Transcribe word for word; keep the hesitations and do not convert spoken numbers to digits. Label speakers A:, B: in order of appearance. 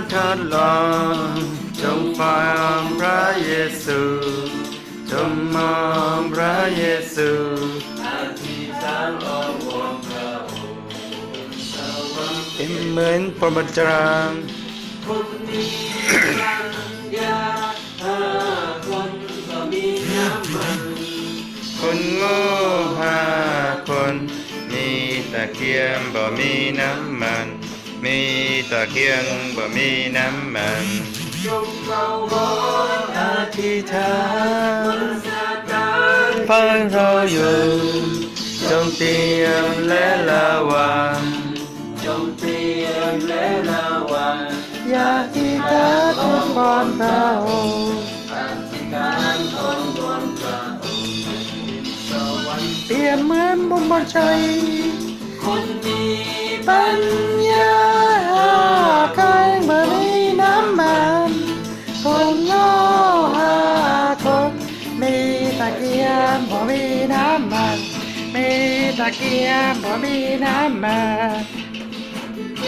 A: ทดลองจงฟังพระเยซูจงมองพระเยซูอธิษฐานอ้อนวอนพระองค์เป็นเหมือนพรหมจารย์
B: คนมีปัญญาห้าคนก็มีน้ำมัน
A: คนโง่ห้าคนมีตะเกียงบ่มีน้ำมันมีตะเกียงบ่มีน้ำมัน
B: จงเราขอ
A: อธิษฐา
B: มัน นซาตาน
A: พังเราอยู่จงเตรียมและระวัง
B: จงเตรียมและระวัง
A: อย่าที่ตาทุกคนพระองค์
B: อธิษฐานอ้อนวอนพระองค์สวรรค์
A: เปรียบเหมือนบุญบนชัย
B: คนมี
A: ปัญญาใครเมื่อมีน้ำมันคนโง่ห้าคนมีตะเกียงบ่มีน้ำมันมีตะเกียงบ่มีน้ำมัน